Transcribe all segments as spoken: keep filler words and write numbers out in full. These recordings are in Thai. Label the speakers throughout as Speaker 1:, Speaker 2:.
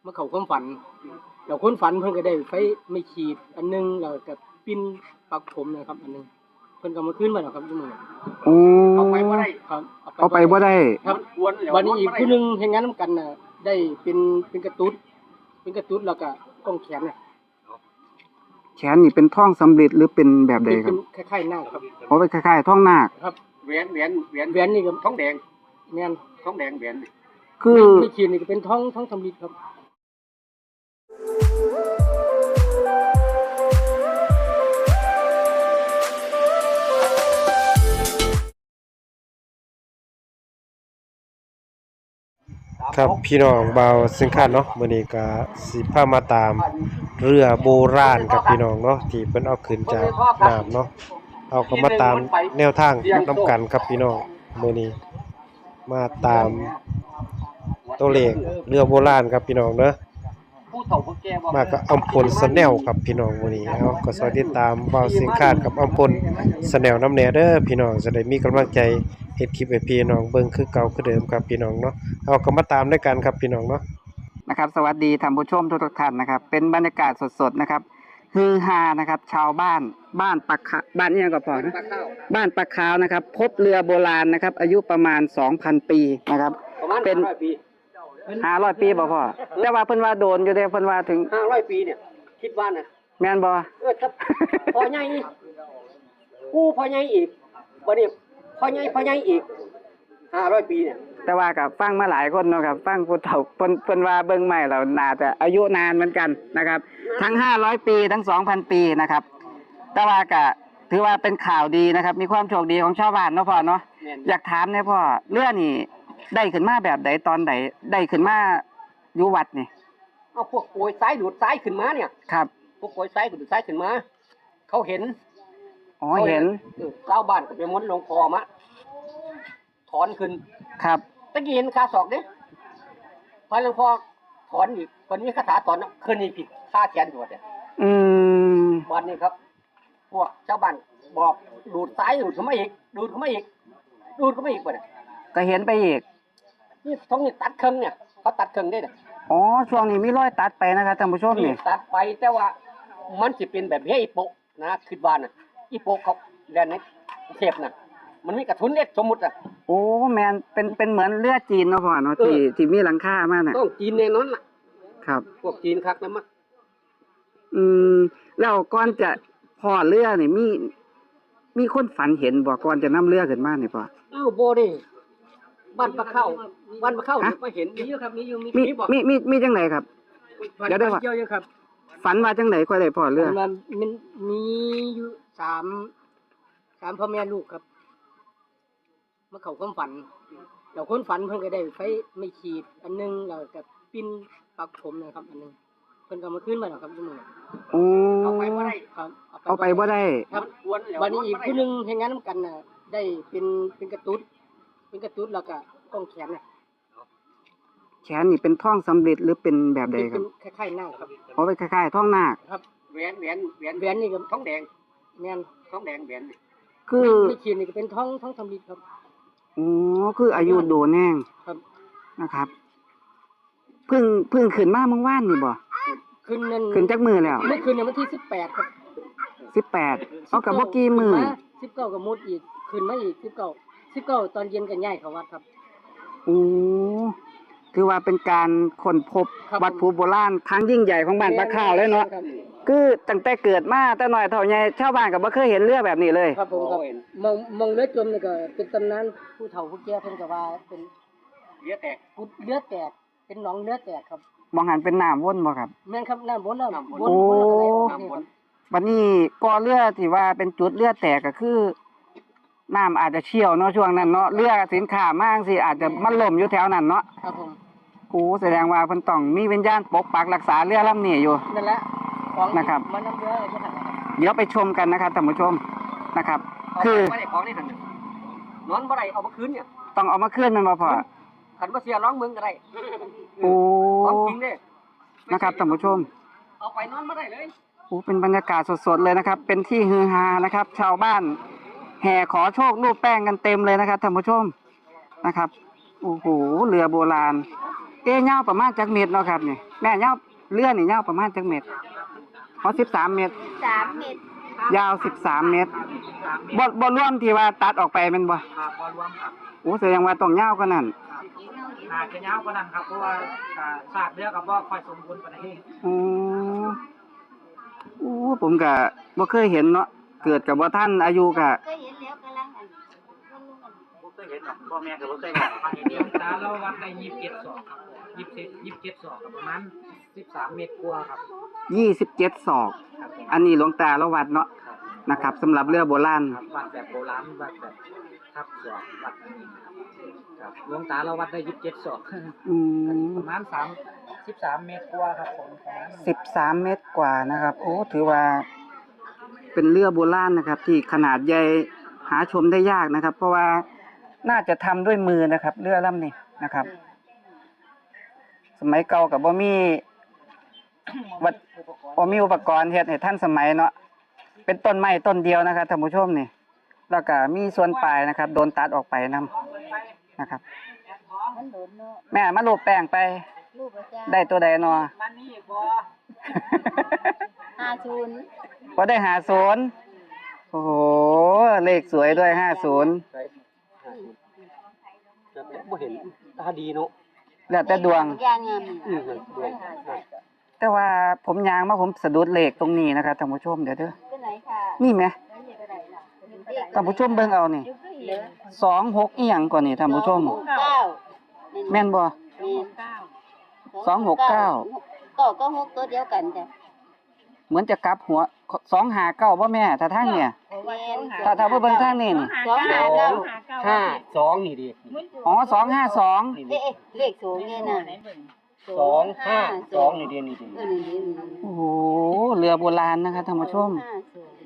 Speaker 1: มาเข้าความฝันเราคนฝันเพิ่นก็ได้ไฟไม่ขีดอันนึงแล้วก็ปิ้นปักผมนะครับอันนึงเพิ่นก็มาคืนมาแล้วครับทุกมื้อ
Speaker 2: โอ้
Speaker 1: เอาไปบ่ได้ครับ
Speaker 2: เอาไปบ่ได้
Speaker 1: ครับวันนี้อีกผู้นึงเฮ็ดงานนำกันน่ะได้เป็นเป็นกระตุ้ดเป็นกระตุ้ดแล้วก็กล้องแขนน่ะ
Speaker 2: แขนนี่เป็นท่องสำริดหรือเป็นแบบใดครับ
Speaker 1: เป็นคล้ายๆนาคครับ
Speaker 2: อ๋อเป็นคล้ายๆท่องนาค
Speaker 1: ครับแหวนแหวนแหวนแหวนนี่ก็ทองแดงแม่นทองแดงแหวน
Speaker 2: คือ
Speaker 1: ไม่ขีดนี่ก็เป็นทองทองสำริดครับ
Speaker 3: ครับพี่น้องเบาสิงคานเนาะมื้อนี้ก็สิพามาตามเรือโบราณกับพี่น้องเนาะที่เพิ่นเอาขึ้นจากน้ำเนาะเอาก็มาตามแนวทางนำกันครับพี่น้องมื้อนี้มาตามตัวเลขเรือโบราณครับพี่น้องเนาะมากับอำพลสแนลครับพี่น้องมื้อนี้เนาะก็สวัสดีตามเบาสิงคานกับอำพลสแนลนำแน่เด้อพี่น้องจะได้มีกำลังใจเฮ็ดคลิปให้พี่น้องเบิ่งคือเก่าคือเดิมครับพี่น้องเนาะเอาก็มาตามด้วยกันครับพี่น้องเนาะ
Speaker 2: นะครับสวัสดีท่านผู้ชมทุกท่านนะครับเป็นบรรยากาศสดๆนะครับฮือฮานะครับชาวบ้านบ้านปะขะบ้านนี่ยังก็พอนะบ้านปะขาวนะครับพบเรือโบราณนะครับอายุประมาณ สองพัน ปีนะครับเป็นห้าร้อยปีบ่พ่อแต่ว่าเพิ่นว่าโดนอยู่เด้เพิ่นว่าถึง
Speaker 1: ห้าร้อยปีเนี่ยคิดว่าน่ะ
Speaker 2: แม่นบ่
Speaker 1: เออครับพ่อใหญ่กูพ่อใหญ่อีกบ่นี่พ่อใหญ่พ่อใหญ่อีกห้าร้อยปีเนี่ย
Speaker 2: แต่ว่ากับฟังมาหลายคนเนาะครับฟังผู้เฒ่าเพิ่นเพิ่นว่าเบิ่งใหม่แล้วน่าจะอายุนานเหมือนกันนะครับทั้งห้าร้อยปีทั้ง สองพัน ปีนะครับแต่ว่าก็ถือว่าเป็นข่าวดีนะครับมีความโชคดีของชาวบ้านเนาะพ่อเนาะอยากถามเนี่ยพ่อเรือนี่ได้ขึ้นมาแบบใดตอนใดได้ขึ้นมาอยู่วัดนี่
Speaker 1: เอาพวกโอยซ้ายดูดซ้ายขึ้นมาเนี่ย
Speaker 2: ครับ
Speaker 1: พวกโอยซ้ายดูดซ้ายขึ้นมาเขาเห็น
Speaker 2: อ๋อเห็น
Speaker 1: เออชาวบ้านก็ไปม้วนลงคอมาถอนขึ้น
Speaker 2: ครับ
Speaker 1: ตะกี้เห็นคาศอกเด้พอหลวงพ่อถอนอีกวันนี้คาถาถอนขึ้นอีกผิดค่าแขนโดดเนี่ย
Speaker 2: อืม
Speaker 1: วันนี้ครับพวกชาวบ้านบอกดูดซ้ายดูดเข้ามาอีกดูดเข้ามาอีกดูดเข้ามาอีกป่ะเนี่ย
Speaker 2: ก็เห็นไปอีก
Speaker 1: นี่ท้องนี่ตัดเครื่องเนี่ยเขาตัดเครื่องได้เนี่ย
Speaker 2: อ๋อช่วงนี้มีรอยตัดไปนะครับท่านผู้ชมนี่
Speaker 1: ตัดไปแต่ว่ามันจะเป็นแบบเฮียอีโปนะคิดว่าน่ะอีโปเขาแดนนี้เทปน่ะมันมีกระทุนเล็กสมมุติอ่ะ
Speaker 2: โอ้แมนเป็นเป็นเหมือนเรือจีนเนาะพ่อเนาะที่ที่มีหลังคามากน่ะ
Speaker 1: ต้องจีนแน่นอนล่ะ
Speaker 2: ครับ
Speaker 1: พวกจีนคักนะมั้ง
Speaker 2: อืมแล้วก่อนจะพอเรือนี่มีมีคนฝันเห็นบ่ก่อนจะนำเรือขึ้นมานี่พ่อ
Speaker 1: อ้าวบ่นี่บ้านปลาเข้าบ้านปลาเข้ามาเห็นมีอยู่ครับมีอยู่มี
Speaker 2: มีมีมีจังไดครับเดี๋ยวได้ว่าฝันว่าจังได๋ค่อยได้พอเรือ
Speaker 1: มันมีอยู่สาม สามพ่อแม่ลูกครับมาเข้าความฝันเราคนฝันเพิ่นก็ได้ไฟไม่ขีดอันนึงแล้วก็ปิ้นปักผมนะครับอันนึงเพิ่นก็มาคืนมาแล้วครับทุกมื้อ
Speaker 2: โอ้
Speaker 1: เอาไปบ่ได้ครับ
Speaker 2: เอาไปบ่ได้
Speaker 1: ครับวันนี้อีกผู้นึงเฮ็ดงานนำกันน่ะได้เป็นเป็นกระตุ้ดเป็นกระตุ้ดแล้วก็กล้องแขนน่ะ
Speaker 2: แขนนี่เป็นท่องสำริดหรือเป็นแบบใดครับ
Speaker 1: คล้ายๆนาคครับ
Speaker 2: อ๋อเป็นคล้ายๆท่องนาค
Speaker 1: ครับแหวนแหวนแหวนแหวนนี่ก็ทองแดงแม่นทองแดงแหวน
Speaker 2: คือ
Speaker 1: ไม่ขีดนี่ก็เป็นทองทองสำริดครับ
Speaker 2: อ๋อคืออายุโดนแน่ง
Speaker 1: ครับ
Speaker 2: นะครับเพิ่งเพิ่งขึ้นมาเมื่อวานนี่บ่
Speaker 1: ขึ้นนั่น
Speaker 2: ขึ้นจักมื้อแล้ว
Speaker 1: เมื่อคืนเนี่ยวันที่สิบแปดครับ
Speaker 2: สิบแปดเอากับบ่กี่มื้อ
Speaker 1: สิบเก้าก็หมดอีกขึ้นมาอีกสิบเก้า สิบเก้าตอนเย็นก็ย้ายเข้าวัดครับ
Speaker 2: โอ้ถือว่าเป็นการค้นพบวัตถุโบราณครั้งยิ่งใหญ่ของบ้านปะขาวเลยเนาะคือตั้งแต่เกิดมาแต่น้อยเท่าใหญ่ชาวบ้านก็บ่เคยเห็นเรือแบบนี้เลย
Speaker 1: ครับผมครับมองมองเรือจมนี่ก็เป็นตำนานผู้เฒ่าผู้แก่เพิ่นก็ว่าเป็นเรือแตกกุดเรือแตกเป็นหนองเรือแตกครับ
Speaker 2: มองหันเป็นน้ำวนบ่ครับ
Speaker 1: แม่นครับน้ำวนน้ำวน
Speaker 2: โอ้บัดนี้ก่อเรือที่ว่าเป็นจุดเรือแตกก็คือน้ำอาจจะเชี่ยวเนาะช่วงนั้นเนาะเรือสินค้ามากสิอาจจะมันล่มอยู่แถวนั้นเนาะ
Speaker 1: ครับผม
Speaker 2: โอ้แสดงว่าเพิ่นต้องมีวิญญาณปกปักรักษาเรือลำนี้อยู่
Speaker 1: นั่นแหละของ
Speaker 2: นะครับ
Speaker 1: มันนำเรือจะทำ
Speaker 2: เดี๋ยวไปชมกันนะครับท่านผู้ชมนะครับคือ
Speaker 1: ของนี่หั่นนอนบ่ได้เอามาคืนเนี่ย
Speaker 2: ต้องเอามาคืนมันบ่พอ
Speaker 1: คันบ่เสียร้องเมืองก็ได้
Speaker 2: โอ้
Speaker 1: ของจริงเด้
Speaker 2: นะครับท่านผู้ชม
Speaker 1: เอาไปนอนบ่ได้เลย
Speaker 2: โอ้เป็นบรรยากาศสดๆเลยนะครับเป็นที่ฮือฮานะครับชาวบ้านแห่ขอโชครูปแป้งกันเต็มเลยนะครับท่านผู้ชมนะครับโอ้โหเรือโบราณเอ๊ะยาวประมาณจักเมตรเนาะครับนี่แม่ยาวเรือนี่ยาวประมาณจักเมตรอ๋อสิบสามเมตร
Speaker 4: สามเม็ด
Speaker 2: ยาวสิบสามเมตรบ่บ่รวมที่ว่าตัดออกไปแม่นบ่
Speaker 5: ครับบ่รวมครับ
Speaker 2: โอ้แสดงว่าต้องยาวกว่านั้น
Speaker 5: อาจจะยาวกว่านั้นครับเพราะว่าอ่าซากเรือกับบ่ค่อยสมบูรณ์ปานใด
Speaker 2: อ๋อโอ้ผมก็บ่เคยเห็นเนาะเกิดกับบ่ทันอายุก็
Speaker 4: ก็เห็นแล้วกำลังอันมันลุงอัน
Speaker 5: บ่เคยเห็นหรอกพ่อแม่ก็บ่เคยเห็นฟังเดียวตาเราวัดได้ยี่สิบเจ็ดศอกครับยี่สิบเจ็ด ยี่สิบเจ็ดศอกครับประมาณสิบสามเมตรกว่าครับ
Speaker 2: ยี่สิบเจ็ดศอก
Speaker 5: ครับผม
Speaker 2: อันนี้หลวงตาเราวัดเนาะ
Speaker 5: ครับ
Speaker 2: นะครับสำหรับเรือโบราณ
Speaker 5: ครับวัดแบบโบราณวัดแบบทับศอกวัดอันนี้ครับหลวงตาเราวัดได้ยี่สิบเจ็ดศอก
Speaker 2: อืม
Speaker 5: ประมาณสามสิบสามเมตรกว่าครับผมประมาณนั้น
Speaker 2: สิบสามเมตรกว่านะครับ โอ้ถือว่า เป็นเรือโบราณนะครับ ที่ขนาดใหญ่หาชมได้ยากนะครับ เพราะว่าน่าจะทำด้วยมือนะครับ เรือลำนี้นะครับ สมัยเก่ากับบ่มีวัดบ่มีอุปกรณ์เฮ็ดให้ทันสมัยเนาะเป็นต้นไม้ต้นเดียวนะครับท่านผู้ชมนี่แล้วก็มีส่วนปลายนะครับ โดนตัดออกไปนํนะครับ
Speaker 4: มันโดนเนาะ
Speaker 2: แม่มาลูบแป้งไป
Speaker 4: ลูกอาจารย์
Speaker 2: ได้ตัวใดเนาะ
Speaker 5: มันนี่บ่
Speaker 4: ห้าศูนย์
Speaker 2: พอได้หาศูนย์โอ้โหเลขสวยด้วยห้าศูนย์
Speaker 5: บ่เห็นตาดีเนาะ
Speaker 2: แล้วแต่ดวง
Speaker 4: ยางงาม
Speaker 5: อือดวง
Speaker 2: แต่ว่าผมยางมาผมสะดุดเลขตรงนี้นะครับท่านผู้ชมเดี๋ยวเด้อ
Speaker 4: ก็ไหนค่ะ
Speaker 2: นี่ไหม
Speaker 4: แล้วเห็นอะไรล่ะ
Speaker 2: ท่านผู้ชมเบิ่งเอานี่
Speaker 4: เหลือ
Speaker 2: สองหกอีหยังก่อนนี่ท่านผู้ชม
Speaker 4: สองหกเก้า
Speaker 2: แม่นบ่
Speaker 4: แม่น
Speaker 2: สองหกเก้า
Speaker 4: ก็ก็หกตัวเดียวกันจ้ะ
Speaker 2: เหมือนจะกลับหัวสองหาเก้าบ่แม่ถ้าทางเนี่ย
Speaker 4: แม่น
Speaker 2: ถ้าถ้าเบิ่งทางนี้นี่
Speaker 4: สองห้าเก้า
Speaker 5: ห้าสองนี่ดิ
Speaker 2: อ๋อสองห้าสอง
Speaker 4: เอ๊ะเลขสูงเนี่ยนะ
Speaker 5: สองห้าสองนี่ดินี่ดิ
Speaker 4: เออนี่นี่
Speaker 2: โอ้โหเรือโบราณนะครับท่านผู้ชม
Speaker 4: ห้าศูนย์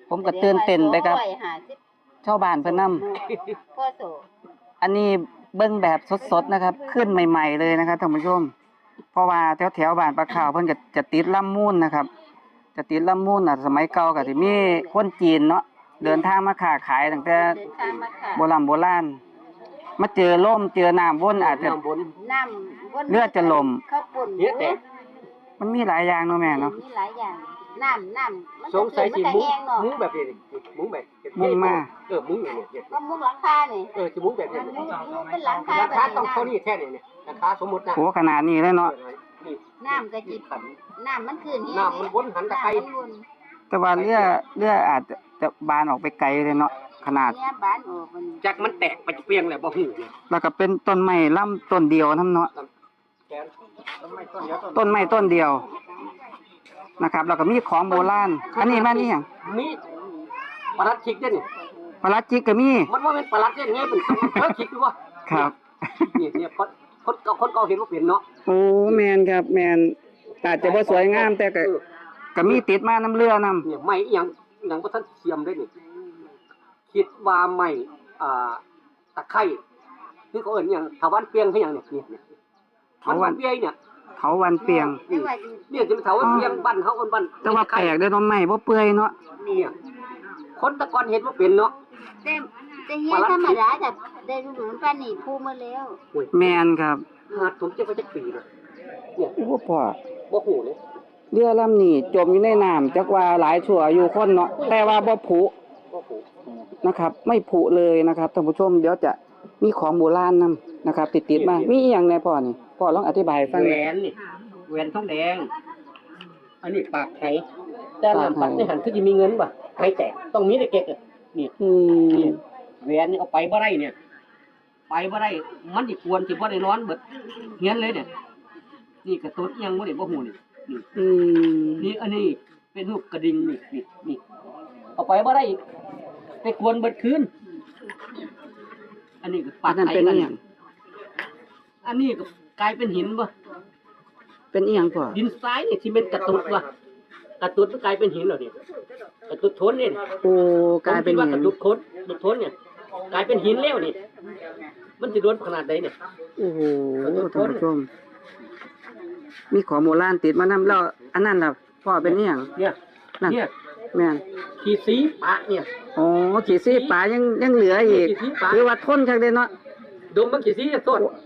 Speaker 2: ผมก็ตื่นเต้นไปครับ
Speaker 4: สองอยห้าสิบ
Speaker 2: ชาวบ้านเพิ่นนำ
Speaker 4: พ่อโส
Speaker 2: อันนี้เบิ่งแบบสดๆนะครับ ขึ้นใหม่ๆเลยนะครับท่านผู้ชม เพราะว่าแถวๆบ้านปลาขาวเพิ่นก็จะติดลำมูลนะครับ จะติดลำมูลน่ะสมัยเก่าก็สิมีคนจีนเนาะเดินทางมาค้าขายตั้งแต่
Speaker 4: เดินทางมาค่ะ
Speaker 2: โบราณโบราณมาเจอลมเจอน้ำวนอาจจะ
Speaker 5: น้ำบน
Speaker 4: น้ำวน
Speaker 2: เลือดจะลม
Speaker 4: ข้าวปุ่น
Speaker 5: เฮ็ดแต่
Speaker 2: มันมีหลายอย่างเนาะแม่เนาะ
Speaker 4: มีหลายอย่างน้ำน้ำมัน
Speaker 5: สงสัยสิ
Speaker 4: มัน
Speaker 5: มุ้
Speaker 4: จะ
Speaker 5: ง
Speaker 4: แห้งเนาะ
Speaker 5: มุ้งแบบนี้นี่มุ้งแบบ
Speaker 2: มุ้งมา
Speaker 5: เออมุ้งเนี่ยเนี่ย
Speaker 4: ก็มุ้งหลังคานี่
Speaker 5: เออจะมุ้งแบบนี้
Speaker 4: มุ้งมุ้งเป็นหลังคา
Speaker 5: รา
Speaker 4: แบบ
Speaker 5: คา
Speaker 4: นี้
Speaker 5: ต้องเท่า
Speaker 4: น้
Speaker 5: นี้แค่นี้เนี่ยราคาสมมุตินะ
Speaker 2: โหขนาดนี้เลยเนาะ
Speaker 5: นี่
Speaker 4: ำน้ำกะจิ
Speaker 5: ขัน
Speaker 4: น้ำมันขึ้นแห้ง
Speaker 5: น้ำมันวนหันตะไคร้
Speaker 4: น้ำมันวน
Speaker 2: แต่ว่าเรือเรืออาจจะจะบานออกไปไกลเลยเนาะขนาด
Speaker 4: เนี่ยบ้านออกมัน
Speaker 5: จากมันแตกไปเปลียงแล้วบ่ฮู้เนี่ย
Speaker 2: แล้วก็เป็นต้นไม้ลำต้นเดียวนํเนาะ
Speaker 5: แกนต้นไม้ต้นเดียว
Speaker 2: ต้นไม้ต้นเดียวนะครับ แล้วก็มีของโบราณอันนี้มันนี่หยัง
Speaker 5: มีปลัดชิกเด้อนี่
Speaker 2: ปลาลัดจิกก็มี
Speaker 5: มันว่าเป็นปลัดเด้ไงเป็นเออชิกดูว่า
Speaker 2: ครับ
Speaker 5: นี่เนี่ยคนคนเก่าคนเก่าเห็นว่าเป็นเนาะ
Speaker 2: โอ้แมนครับแมนอาจจะบ่สวยงามแต่ก็
Speaker 5: เออ
Speaker 2: ก็มีติดมาน้ำเรือนํ
Speaker 5: เนี่ยไม้อีหยังอีหยังบ่ทันเทียมได้นี่คิดว่าไม้อ่าตะไคร้คือเขาเอิ้นอิหยังถาวันเปียงคือหยังเนี่ยเนี่ยเนี่ยมันวันเปียงเนี่ย
Speaker 2: เถาวันเปียง
Speaker 4: ไม่ว่าจะ
Speaker 5: เนี่ยจะเป็นถาวันเปียงบ้านเขาเอิ้นบ้าน
Speaker 2: แต่ว่าแปลกเด้อเนาะไม้บ่เปื่อยเนาะ
Speaker 5: เนี่ยคนแตะกอนเห็นว่าเป็นเนาะ
Speaker 4: แต่แต่เฮียธรรมดาจะได้รู้เหมือนกันนี่พูมาแล้ว
Speaker 5: โอ้ย
Speaker 2: แมนครับ
Speaker 5: หาดผมจะไปจักปีเลยเนี่ย
Speaker 2: โอ้พ่อ
Speaker 5: บ่ฮู้เลย
Speaker 2: เรือลำนี้จมอยู่ในน้ำจักว่าหลายชั่วอายุคนเนาะแต่ว่าบ่ผุ
Speaker 5: บ่ฮู้
Speaker 2: นะครับ ไม่ผุเลยนะครับท่านผู้ชมเดี๋ยวจะมีของโบราณนํนะครับ ติดๆมามีอีหยังแน่พ่อนี่พ่อลองอธิบายให้ฟัง
Speaker 5: แห
Speaker 2: ห
Speaker 5: ว
Speaker 2: น่อย
Speaker 5: นนี่แหวนทองแดง อันนี้ปากไหแต่ลำปัดในหันคือสิมีเงินบ่ไหแตกต้องมีแต่เก็กอะนี่
Speaker 2: อืม
Speaker 5: นี่แหวนนี่เอาไปบ่ได้เนี่ย ไปบ่ได้มันสิควรสิบ่ได้นอนเบิดเฮียนเลยเนี่ยนี่กระตุ้นอิหยังบ่ได้บ่ฮู้นี่นี่
Speaker 2: อืม
Speaker 5: นี่อันนี้เป็นรูปกระดิ่งนี่นี่นี่เอาไปบ่ได้อีกไปกวนเบิดคืนอันนี้ก็
Speaker 2: อั
Speaker 5: ปาน ก
Speaker 2: นั้น
Speaker 5: ไข่
Speaker 2: เป็น
Speaker 5: กั
Speaker 2: อี
Speaker 5: น
Speaker 2: หยัง
Speaker 5: อันนี้ก็กลายเป็นหินบ่
Speaker 2: เป็นอีหยังพ่อ
Speaker 5: ดินทรายนี่ที่เป็นกระตุดว่ะกระตุดมันกลายเป็นหินแล้วนี่กระตุดทนนี่
Speaker 2: โอ้กลายเป็น
Speaker 5: ผมคิดว่า
Speaker 2: หิ
Speaker 5: กระ
Speaker 2: น
Speaker 5: ตุดทนกระตุดทนเนี่ยกลายเป็นหินแล้วนี่ มันสิโดนขนาดใดเนี่ย
Speaker 2: โอ้โหท่านผู้ชม มีของโบราณติดมานำแล้วอันนั้นล่ะพ่อเป็นอีหยัง
Speaker 5: เนี่ย
Speaker 2: นั่น
Speaker 5: เนี่ย
Speaker 2: แม่น
Speaker 5: ขีสีปะเนี่ย
Speaker 2: อ๋อขี่ซี่ปลายังยังเหลืออีก
Speaker 5: ขี่ซี่ปลา
Speaker 2: คือว่าทนจังได๋เนาะ
Speaker 5: ดมมันขีสีจะต้น
Speaker 2: โ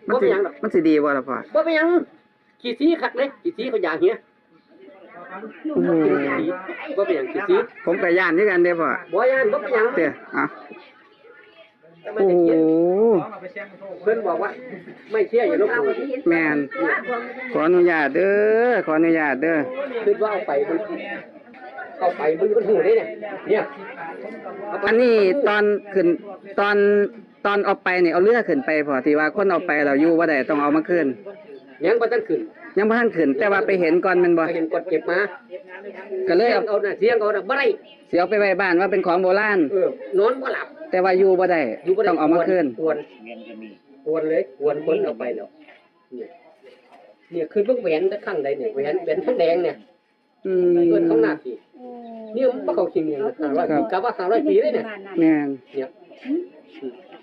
Speaker 2: มัน
Speaker 5: บ่
Speaker 2: สิ
Speaker 5: เป็นหยังดอก
Speaker 2: มันสิดีบ่ล่ะพ่อ
Speaker 5: บ่เป็นหยังขี้สีคักเลยขี้สีเขาอย่างเงี้ย
Speaker 2: โอ้โห
Speaker 5: บ่เป็นหยังขี้สี
Speaker 2: ผมก็ย่านคือกันเด้อพ่อ
Speaker 5: บ่ย่านบ่เป็นหยัง
Speaker 2: เด้ออ่ะ
Speaker 5: แต่มัน
Speaker 2: โอ้
Speaker 5: จะ
Speaker 2: โห
Speaker 5: เขียนเพิ่นบอกว่า ไม่เชื่ออย่าลบหลู่
Speaker 2: แม่นขออนุญาตเด้อขออนุญาตเด้อ
Speaker 5: คิดว่าเอาไปมันเอาไปมันมันหูได้เนี่ยเนี่ยเาไป
Speaker 2: อันนี้ตอนขึ้นตอนตอนเอาไปนี่เอาเรือขึ้นไปพอที่ว่าคนเอาไปเราอยู่บ่ได้ต้องเอามาคืน
Speaker 5: ยังบ่ทันขึ้น
Speaker 2: ยังบ่ทันขึ้น แต่ว่าไปเห็นก่อนแมันบ่
Speaker 5: ไปเห็นกดเก็บมา
Speaker 2: ก็เลย
Speaker 5: เสีย
Speaker 2: เอา
Speaker 5: งเอาน่ะเสียงเอาน่ะบ่ได้
Speaker 2: สิเอาไปไว้บ้านว่าเป็นของโบราณ
Speaker 5: เออนอนบ่หลับ
Speaker 2: แต่ว่าอยู่บ่ได้
Speaker 5: อยู่บ่ได้
Speaker 2: ต้องเอามาคืน
Speaker 5: กวนกวนเลยกวนคนเอาไปแล้วเนี่ยเนี่ยคือเบิ่งแหวนตะข้างใดเนี่ยแหวนแหวนทั้งแดงเนี่ย
Speaker 2: อื
Speaker 5: เพิ่น
Speaker 2: ม
Speaker 5: ข้างหน้าสิเนี่ยมันบ่เข้าคิงอย่างห้าร้อยปีกะว่าห้าร้อยปีเลยเนี่ย
Speaker 2: แม่น
Speaker 5: เนี่ย